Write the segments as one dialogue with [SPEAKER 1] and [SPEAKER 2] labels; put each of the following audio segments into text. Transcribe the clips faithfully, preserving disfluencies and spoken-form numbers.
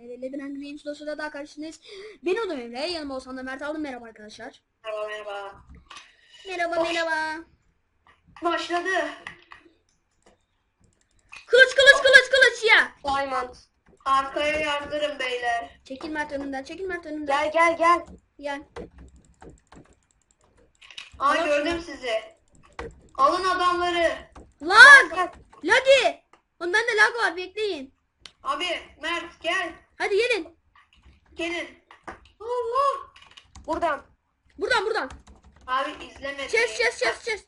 [SPEAKER 1] T V Lebren Games dosyada daha karşınızdayız. Ben Onur Emre, yanıma Oğuzhan da Mert aldım. Merhaba arkadaşlar.
[SPEAKER 2] Merhaba merhaba.
[SPEAKER 1] Merhaba
[SPEAKER 2] Baş-
[SPEAKER 1] merhaba.
[SPEAKER 2] Başladı.
[SPEAKER 1] Kılıç kılıç kılıç kılıç ya.
[SPEAKER 2] Diamond. Arkaya yardırın beyler.
[SPEAKER 1] Çekil Mert önümden, çekil Mert önümden.
[SPEAKER 2] Gel gel gel.
[SPEAKER 1] Gel.
[SPEAKER 2] Aa
[SPEAKER 1] Alın
[SPEAKER 2] gördüm sizi. Alın adamları.
[SPEAKER 1] Lag. Lagi. Oğlum bende lag var, bekleyin.
[SPEAKER 2] Abi Mert gel.
[SPEAKER 1] Hadi gelin.
[SPEAKER 2] Gelin. Allah. Buradan.
[SPEAKER 1] Buradan buradan.
[SPEAKER 2] Abi izleme.
[SPEAKER 1] Chest chest chest chest.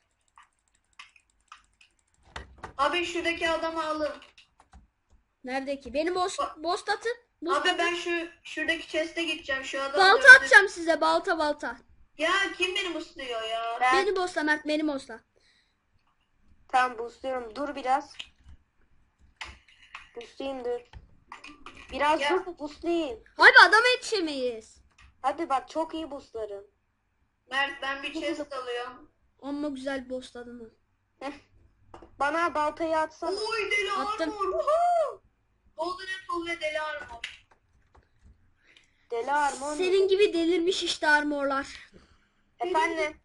[SPEAKER 2] Abi şuradaki adamı alın.
[SPEAKER 1] Nerede ki? Beni boss, boss atın. Boss
[SPEAKER 2] Abi
[SPEAKER 1] atın.
[SPEAKER 2] ben şu şuradaki chest'e gideceğim. Şu adamı
[SPEAKER 1] Balta
[SPEAKER 2] öldür-
[SPEAKER 1] atacağım size, balta balta.
[SPEAKER 2] Ya kim beni musluyor ya?
[SPEAKER 1] Beni bossla Mert, beni bossla.
[SPEAKER 3] Tamam boostluyorum. Dur biraz. Boostlayayım dur. Biraz
[SPEAKER 2] Ya.
[SPEAKER 3] dur boostlayayım.
[SPEAKER 1] Abi adama yetişemeyiz.
[SPEAKER 3] Hadi bak çok iyi boostlarım.
[SPEAKER 2] Mert ben bir chest alıyorum.
[SPEAKER 1] Amma güzel bossladın onu.
[SPEAKER 3] Bana baltayı atsana.
[SPEAKER 2] Oy deli
[SPEAKER 1] Attım.
[SPEAKER 2] armor. Woohoo! Golden apple ve deli armor.
[SPEAKER 3] Deli armor.
[SPEAKER 1] Senin gibi delirmiş işte armorlar.
[SPEAKER 3] Efendim.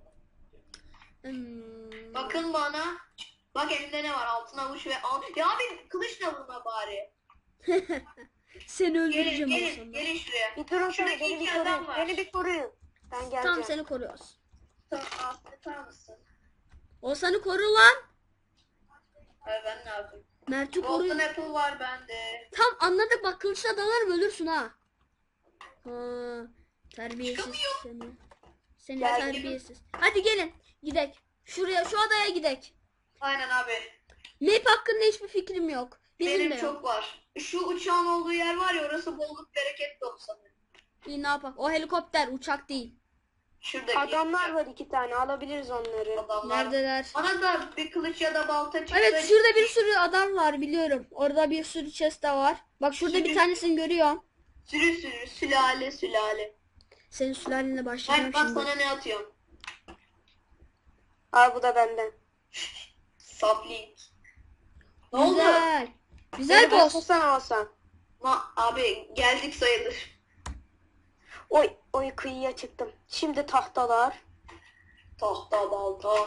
[SPEAKER 1] Hmm.
[SPEAKER 2] Bakın bana. Bak elimde ne var? Altın avuç ve al. Ya abi kılıçla vurma bari.
[SPEAKER 1] Seni
[SPEAKER 2] Gelin
[SPEAKER 1] öldüreceğim
[SPEAKER 2] gelin
[SPEAKER 1] olsam.
[SPEAKER 2] gelin şuraya.
[SPEAKER 3] Bir durun
[SPEAKER 2] Şurada
[SPEAKER 3] şöyle beni
[SPEAKER 2] iki
[SPEAKER 3] bir
[SPEAKER 2] adam
[SPEAKER 3] koruyun.
[SPEAKER 2] var.
[SPEAKER 3] Beni bir koruyun. Ben geleceğim.
[SPEAKER 1] Tamam, seni koruyoruz.
[SPEAKER 2] Tamam affeder mısın?
[SPEAKER 1] O seni koru lan.
[SPEAKER 2] Ay ben ne yapayım?
[SPEAKER 1] Mert'i
[SPEAKER 2] Golden
[SPEAKER 1] koruyor.
[SPEAKER 2] apple var bende.
[SPEAKER 1] Tam anladık, bak kılıçla dalarım ölürsün ha. Ha, terbiyesiz
[SPEAKER 2] Çıkamıyor.
[SPEAKER 1] seni. Seni
[SPEAKER 3] Gel,
[SPEAKER 1] terbiyesiz. Hadi gelin gidek. Şuraya, şu adaya gidek.
[SPEAKER 2] Aynen abi.
[SPEAKER 1] Map hakkında hiçbir fikrim yok. Bizim
[SPEAKER 2] Benim
[SPEAKER 1] de yok.
[SPEAKER 2] çok var. Şu uçağın olduğu yer var ya, orası bolluk bereket dolu sanırım.
[SPEAKER 1] İyi, ne yapak? O helikopter, uçak değil.
[SPEAKER 2] Şuradaki
[SPEAKER 3] Adamlar var iki tane. Alabiliriz onları.
[SPEAKER 2] adamlar.
[SPEAKER 1] Neredeler?
[SPEAKER 2] Bana da bir kılıç ya da balta çıksa.
[SPEAKER 1] Evet, şurada bir sürü adam var biliyorum. Orada bir sürü chest de var. Bak şurada bir
[SPEAKER 2] Sürü-
[SPEAKER 1] tanesini görüyorum.
[SPEAKER 2] Sürü sürü sülale sülale.
[SPEAKER 1] Senin sülalenle başlayacağım
[SPEAKER 2] Mert bak
[SPEAKER 1] şimdi.
[SPEAKER 2] sana ne atıyorum.
[SPEAKER 3] Al bu da benden.
[SPEAKER 2] Sapling. Ne oldu?
[SPEAKER 1] Güzel. Güzel
[SPEAKER 2] Beni
[SPEAKER 1] boss.
[SPEAKER 3] Boostlasana alsan.
[SPEAKER 2] Ma abi geldik sayılır.
[SPEAKER 3] Oy oy kıyıya çıktım. Şimdi tahtalar.
[SPEAKER 2] Tahta balta.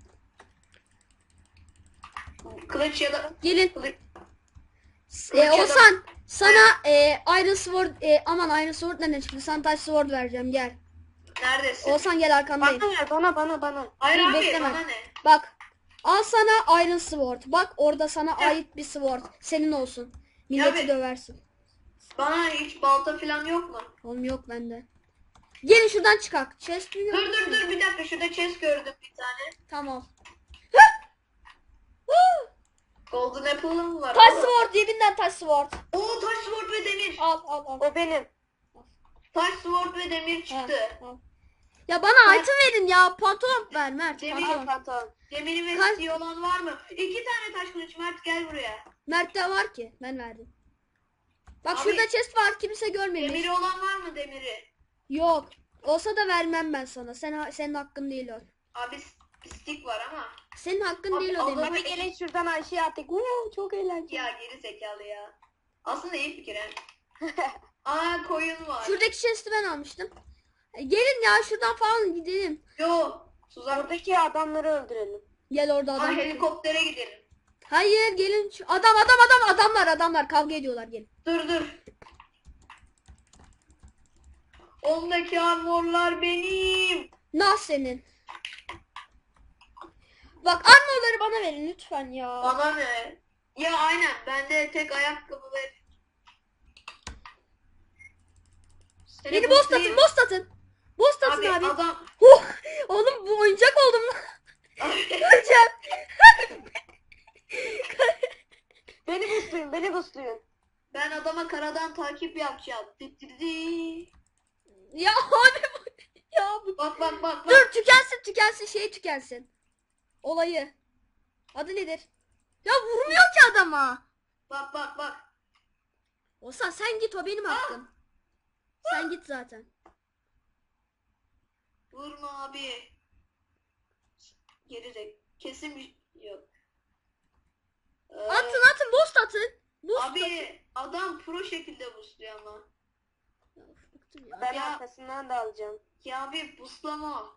[SPEAKER 2] Kılıç ya da
[SPEAKER 1] Gelin.
[SPEAKER 2] kılıç.
[SPEAKER 1] Ee, Oğuzhan sana e, Iron Sword e, aman Iron Sword nereden çıktı? Sana Taş Sword vereceğim, gel.
[SPEAKER 2] Neredesin?
[SPEAKER 1] Oğuzhan gel, arkandayım.
[SPEAKER 3] Bana ver bana bana bana.
[SPEAKER 2] Hayır
[SPEAKER 1] Dur,
[SPEAKER 2] abi
[SPEAKER 1] bekleme.
[SPEAKER 2] bana ne?
[SPEAKER 1] Bak. Al sana Iron Sword. Bak orada sana ait bir sword. Senin olsun. Milleti
[SPEAKER 2] Ya be-
[SPEAKER 1] döversin.
[SPEAKER 2] Bana hiç balta falan yok mu?
[SPEAKER 1] Oğlum yok bende. Gelin şuradan çıkak. Chest mi?
[SPEAKER 2] Dur dur dur bir dakika, şurada chest gördüm bir tane.
[SPEAKER 1] Tamam.
[SPEAKER 2] Golden apple'ım mı var?
[SPEAKER 1] Taş
[SPEAKER 2] oğlum?
[SPEAKER 1] Sword, cebinden Taş Sword.
[SPEAKER 2] Oo taş sword ve demir.
[SPEAKER 1] Al al al.
[SPEAKER 3] O benim.
[SPEAKER 2] Taş sword ve demir
[SPEAKER 1] Ha,
[SPEAKER 2] çıktı.
[SPEAKER 1] al. Ya bana item verin ya. Pantolon ver Mert.
[SPEAKER 2] Demir-
[SPEAKER 1] Pantolon.
[SPEAKER 3] Pantolon.
[SPEAKER 2] Demiri ve
[SPEAKER 1] Kaç-
[SPEAKER 2] siyah olan var mı? İki tane taş kılıç. Mert gel buraya.
[SPEAKER 1] Mert'te var ki. Ben verdim. Bak
[SPEAKER 2] Abi-
[SPEAKER 1] şurada chest var. Kimse görmemiş.
[SPEAKER 2] Demiri olan var mı demiri?
[SPEAKER 1] Yok. Olsa da vermem ben sana. Sen senin hakkın değil o.
[SPEAKER 2] Abi stick var ama.
[SPEAKER 1] Senin hakkın
[SPEAKER 2] Abi,
[SPEAKER 1] değil o
[SPEAKER 2] Allah-
[SPEAKER 1] demek.
[SPEAKER 3] Hadi gelin şuradan aşağıya attık. Uuu, çok eğlenceli.
[SPEAKER 2] Ya geri zekalı ya. Aslında iyi fikir he. Aa koyun var.
[SPEAKER 1] Şuradaki chest'i ben almıştım. E, gelin ya şuradan falan gidelim.
[SPEAKER 2] Yo. Tuzak.
[SPEAKER 3] Oradaki adamları öldürelim.
[SPEAKER 1] Gel orada
[SPEAKER 2] Aa,
[SPEAKER 1] adam.
[SPEAKER 2] helikoptere gidelim.
[SPEAKER 1] Hayır gelin. Şu- Adam adam adam adamlar adamlar kavga ediyorlar, gelin.
[SPEAKER 2] Dur dur. Ondaki armorlar benim.
[SPEAKER 1] Nah senin. Bak armorları bana verin lütfen ya.
[SPEAKER 2] Bana ne? Ya aynen. Bende tek ayakkabı ve... Seni
[SPEAKER 1] Beni boss
[SPEAKER 2] boostlayayım.
[SPEAKER 1] atın, boss atın. Boss atın
[SPEAKER 2] Abi,
[SPEAKER 1] abi.
[SPEAKER 2] adam...
[SPEAKER 1] Oh, oğlum bu oyuncak oldum lan. Öleceğim.
[SPEAKER 3] Beni boostlayın beni boostlayın.
[SPEAKER 2] Ben adama karadan takip yapacağım. Dı dı dı.
[SPEAKER 1] Ya abi bu. Ya bu.
[SPEAKER 2] Bak bak bak bak.
[SPEAKER 1] Dur tükensin tükensin şey tükensin. Olayı. Adı nedir? Ya vurmuyor ki adama.
[SPEAKER 2] Bak bak bak.
[SPEAKER 1] Olsan sen git, o benim hakkım. Sen git zaten.
[SPEAKER 2] Vurma abi. Geri de kesin bir yok. Ee,
[SPEAKER 1] Atın atın boss atın. Boost
[SPEAKER 2] Abi adam pro şekilde boostluyor ama.
[SPEAKER 1] Ya, bıktım ya.
[SPEAKER 3] Ben
[SPEAKER 2] Ya-
[SPEAKER 3] arkasından da alacağım.
[SPEAKER 2] Ya abi boostlama.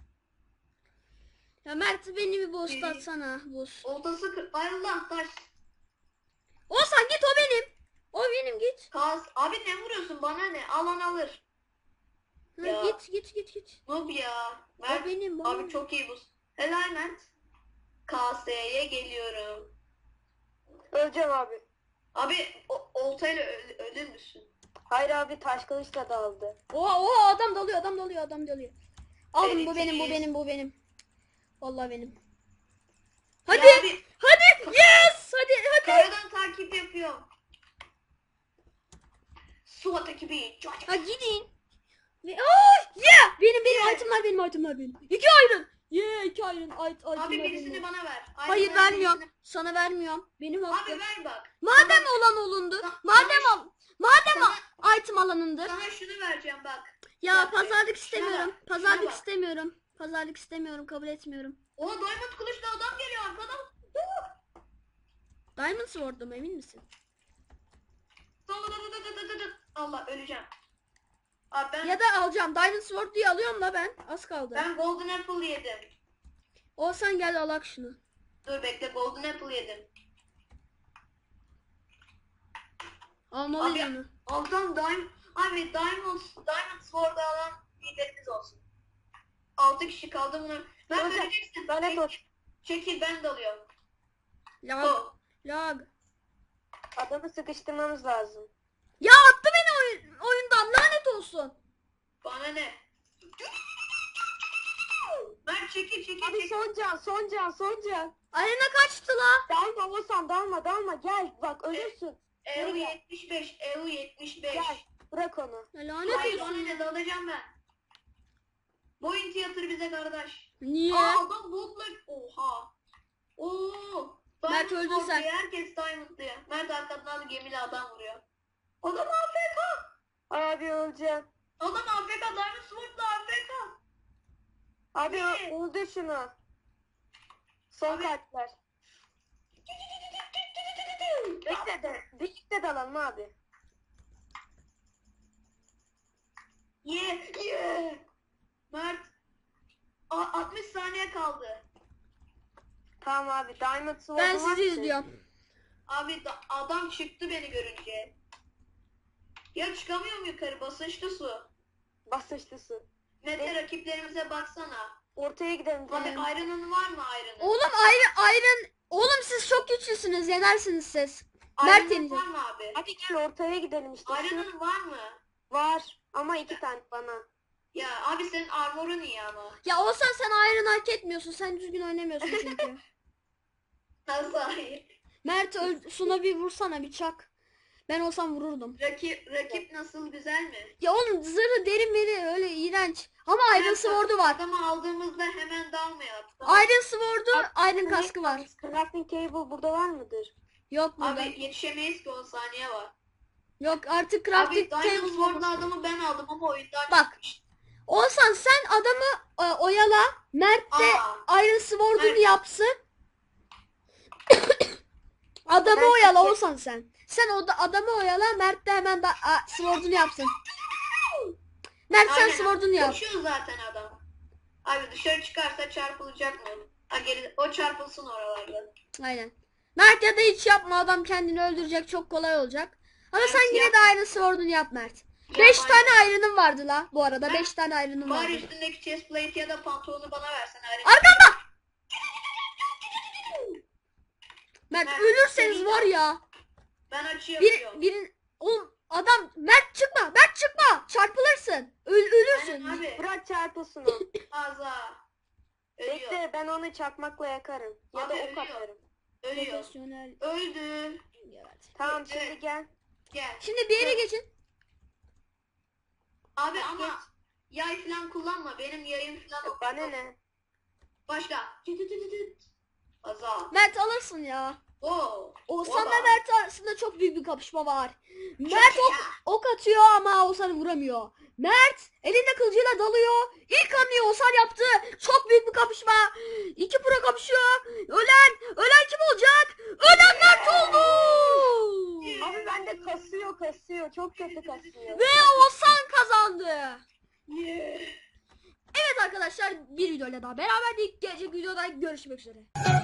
[SPEAKER 1] Ya Mert beni bir boost
[SPEAKER 2] Biri-
[SPEAKER 1] atsana. Boost.
[SPEAKER 2] Oltası kır. Ay Allah taş.
[SPEAKER 1] Olsan git, o benim. O benim, git.
[SPEAKER 2] Kaz. Abi ne vuruyorsun bana ne? Alan alır.
[SPEAKER 1] Ha,
[SPEAKER 2] Ya.
[SPEAKER 1] git git git git.
[SPEAKER 2] Noob ya.
[SPEAKER 1] O
[SPEAKER 2] Mert.
[SPEAKER 1] benim. o
[SPEAKER 2] Abi
[SPEAKER 1] benim.
[SPEAKER 2] çok iyi boost. Helal Mert. K S'ye geliyorum.
[SPEAKER 3] Öleceğim abi.
[SPEAKER 2] Abi o, oltayla öl, ölür müsün?
[SPEAKER 3] Hayır abi taş kılıçla da aldı.
[SPEAKER 1] Oha oha, adam dalıyor, adam dalıyor, adam dalıyor. Aldım, bu
[SPEAKER 2] Evet,
[SPEAKER 1] benim, bu
[SPEAKER 2] yes.
[SPEAKER 1] benim, bu benim. Vallahi benim. Hadi,
[SPEAKER 2] Ya abi
[SPEAKER 1] hadi, yes, hadi, hadi.
[SPEAKER 2] karadan takip yapıyorum. SWAT ekibi.
[SPEAKER 1] Ha gidin. Ve oh, yeah, benim benim itemler, benim itemler benim. İki iron. Yeah, iki iron. It, itemler
[SPEAKER 2] Abi
[SPEAKER 1] benim.
[SPEAKER 2] birisini bana ver. Aynen,
[SPEAKER 1] Hayır,
[SPEAKER 2] ben
[SPEAKER 1] vermiyorum.
[SPEAKER 2] birisini-
[SPEAKER 1] Sana vermiyorum. Benim hakkım.
[SPEAKER 2] Abi ver bak.
[SPEAKER 1] Madem olan olundu.
[SPEAKER 2] Sana-
[SPEAKER 1] Madem al. Madem
[SPEAKER 2] Sana-
[SPEAKER 1] al- item alanındır.
[SPEAKER 2] Sana şunu vereceğim bak.
[SPEAKER 1] Ya
[SPEAKER 2] Bak,
[SPEAKER 1] pazarlık
[SPEAKER 2] şuna
[SPEAKER 1] istemiyorum.
[SPEAKER 2] bak,
[SPEAKER 1] Pazarlık
[SPEAKER 2] şuna bak.
[SPEAKER 1] istemiyorum. Pazarlık istemiyorum. Kabul etmiyorum.
[SPEAKER 2] O diamond kılıçlı adam geliyor arkadan.
[SPEAKER 1] Diamond Sword'um, emin misin?
[SPEAKER 2] Allah öleceğim. Abi ben
[SPEAKER 1] Ya da alacağım. Diamond Sword diye alıyorum da ben. Az kaldı.
[SPEAKER 2] ben golden apple yedim.
[SPEAKER 1] Olsan gel alak şunu.
[SPEAKER 2] Dur bekle golden apple yedim.
[SPEAKER 1] Almalıyım
[SPEAKER 2] Abi-
[SPEAKER 1] onu.
[SPEAKER 2] Altan diamond abi diamond diamond sword alan liderimiz olsun. Altı kişi kaldı bunu. Ben
[SPEAKER 3] Hocam,
[SPEAKER 2] vereceksin.
[SPEAKER 3] ben hep
[SPEAKER 2] Çekil,
[SPEAKER 3] o-
[SPEAKER 2] çekil ben dalıyorum.
[SPEAKER 1] Lag.
[SPEAKER 2] Oh.
[SPEAKER 1] Lag.
[SPEAKER 3] Adamı sıkıştırmamız lazım.
[SPEAKER 1] Ya attı beni oyun, oyundan, lanet olsun.
[SPEAKER 2] Bana ne? Ben çekil çekil
[SPEAKER 3] Hadi
[SPEAKER 2] çekil.
[SPEAKER 3] son can, son can, son can.
[SPEAKER 1] Arena kaçtı la.
[SPEAKER 3] Dalma Oğuzhan, dalma, dalma. Gel, bak ölürsün.
[SPEAKER 2] E U yetmiş beş, E U yetmiş beş.
[SPEAKER 3] Gel, bırak onu.
[SPEAKER 1] Ya lanet
[SPEAKER 2] Hayır bana
[SPEAKER 1] olsun.
[SPEAKER 2] ne dalacağım ben. Boyun tiyatır bize kardeş.
[SPEAKER 1] Niye?
[SPEAKER 2] Aa adam botla. Oha. Oo.
[SPEAKER 1] Mert
[SPEAKER 2] Diamond
[SPEAKER 1] öldün
[SPEAKER 2] Sword
[SPEAKER 1] sen.
[SPEAKER 2] diyor, herkes Diamond diyor. Mert arkadan da gemiyle adam vuruyor. Adam A F K.
[SPEAKER 3] Abi öleceğim.
[SPEAKER 2] Adam A F K. Diamond Sword'la A F K.
[SPEAKER 3] Abi
[SPEAKER 2] Ne?
[SPEAKER 3] ö- öldür şunu. Son
[SPEAKER 2] Abi-
[SPEAKER 3] kalpler. Bekle de, birlikte dalalım abi.
[SPEAKER 2] Ye ye. Mert. A- altmış saniye kaldı.
[SPEAKER 3] Tamam abi, Diamond Sword'u
[SPEAKER 1] Ben
[SPEAKER 3] var
[SPEAKER 1] sizi
[SPEAKER 3] mı?
[SPEAKER 1] izliyorum.
[SPEAKER 2] Abi da- adam çıktı beni görünce. Ya çıkamıyorum yukarı basınçlı su.
[SPEAKER 3] Basınçlı su.
[SPEAKER 2] Mete rakiplerimize baksana.
[SPEAKER 3] Ortaya gidelim.
[SPEAKER 2] Abi
[SPEAKER 3] gidelim.
[SPEAKER 2] Iron'un var mı Iron'un?
[SPEAKER 1] Oğlum Iron, Iron. Oğlum siz çok güçlüsünüz. Yenersiniz siz. Mert
[SPEAKER 2] Iron'un
[SPEAKER 1] yenecek.
[SPEAKER 2] var mı abi?
[SPEAKER 3] Hadi gel ortaya gidelim işte. Şu
[SPEAKER 2] Iron'un var mı?
[SPEAKER 3] var ama iki tane bana.
[SPEAKER 2] Ya abi senin armorun iyi ama.
[SPEAKER 1] Ya olsan sen Iron hak etmiyorsun. Sen düzgün oynamıyorsun çünkü.
[SPEAKER 2] Nasıl hayır?
[SPEAKER 1] Mert öl- Suna bir vursana, bir çak. Ben olsam vururdum.
[SPEAKER 2] Rakip, rakip nasıl güzel mi?
[SPEAKER 1] Ya oğlum zırhı derin veri öyle iğrenç. Ama Iron
[SPEAKER 2] Evet,
[SPEAKER 1] Sword'u var.
[SPEAKER 2] Adamı aldığımızda hemen dalmayalım.
[SPEAKER 1] Iron Sword'u, Iron kaskı var.
[SPEAKER 3] Crafting table burada var mıdır?
[SPEAKER 1] Yok burada.
[SPEAKER 2] Abi yetişemeyiz ki on saniye var.
[SPEAKER 1] Yok artık
[SPEAKER 2] Abi
[SPEAKER 1] crafting
[SPEAKER 2] Diamond
[SPEAKER 1] table.
[SPEAKER 2] Sword'la adamı ben aldım ama oyundan
[SPEAKER 1] Bak.
[SPEAKER 2] çıkmış.
[SPEAKER 1] Olsan sen adamı e, oyala. Mert de
[SPEAKER 2] Aa.
[SPEAKER 1] Iron Sword'unu
[SPEAKER 2] Mert.
[SPEAKER 1] yapsın. Adamı
[SPEAKER 3] Ben
[SPEAKER 1] oyala
[SPEAKER 3] çünkü-
[SPEAKER 1] olsan sen. Sen o da adamı oyala, Mert de hemen da a, Sword'unu yapsın. Mert sen
[SPEAKER 2] Aynen.
[SPEAKER 1] Sword'unu yap.
[SPEAKER 2] Koşuyor zaten adam. Abi dışarı çıkarsa çarpılacak mı? Ha, geri, o çarpılsın oralarda.
[SPEAKER 1] Aynen. Mert ya da hiç yapma, adam kendini öldürecek, çok kolay olacak. Ama
[SPEAKER 2] Mert
[SPEAKER 1] sen yine
[SPEAKER 2] yap.
[SPEAKER 1] de Iron Sword'unu yap Mert.
[SPEAKER 2] Ya
[SPEAKER 1] beş
[SPEAKER 2] aynen.
[SPEAKER 1] tane Iron'ın vardı la bu arada.
[SPEAKER 2] Ben-
[SPEAKER 1] beş tane Iron'ın vardı.
[SPEAKER 2] Bari üstündeki chestplate ya da pantolonu bana versen. Ari.
[SPEAKER 1] Arkanda! Mert
[SPEAKER 2] Mert,
[SPEAKER 1] ölürseniz
[SPEAKER 2] senin-
[SPEAKER 1] var ya.
[SPEAKER 2] Ben açı
[SPEAKER 1] Bir,
[SPEAKER 2] yapıyorum.
[SPEAKER 1] bir, oğlum adam, Mert çıkma, Mert çıkma. Çarpılırsın. Öl, ölürsün.
[SPEAKER 2] Aynen abi.
[SPEAKER 3] Bırak çarpılsın o.
[SPEAKER 2] Ağza. Ölüyor.
[SPEAKER 3] Bekle ben onu çakmakla yakarım. Ya
[SPEAKER 2] Abi
[SPEAKER 3] da ok
[SPEAKER 2] ölüyor.
[SPEAKER 3] atarım.
[SPEAKER 2] Ölüyor.
[SPEAKER 1] Profesyonel.
[SPEAKER 2] Öldü.
[SPEAKER 1] Evet.
[SPEAKER 3] Tamam
[SPEAKER 2] Evet.
[SPEAKER 3] şimdi gel.
[SPEAKER 2] Gel.
[SPEAKER 1] Şimdi bir yere geçin.
[SPEAKER 2] Abi
[SPEAKER 3] Geç.
[SPEAKER 2] ama yay falan kullanma. Benim yayım falan yok.
[SPEAKER 3] Bana ne?
[SPEAKER 2] Başka. Tüt tüt tüt tüt. Aza.
[SPEAKER 1] Mert alırsın ya.
[SPEAKER 2] Oo.
[SPEAKER 1] Oğuzhan'la
[SPEAKER 2] Oba.
[SPEAKER 1] Mert arasında çok büyük bir kapışma var. Mert ok, ok atıyor ama Oğuzhan'ı vuramıyor. Mert elinde kılıcıyla dalıyor. İlk hamleyi Oğuzhan yaptı. Çok büyük bir kapışma. İki pro kapışıyor. Ölen, ölen kim olacak? Ölen Mert oldu.
[SPEAKER 3] kasıyor. Çok kötü kasıyor.
[SPEAKER 1] Ve Oğuzhan kazandı.
[SPEAKER 2] Yeah.
[SPEAKER 1] Evet arkadaşlar, bir videoyla daha beraberdik. Gelecek videoda görüşmek üzere.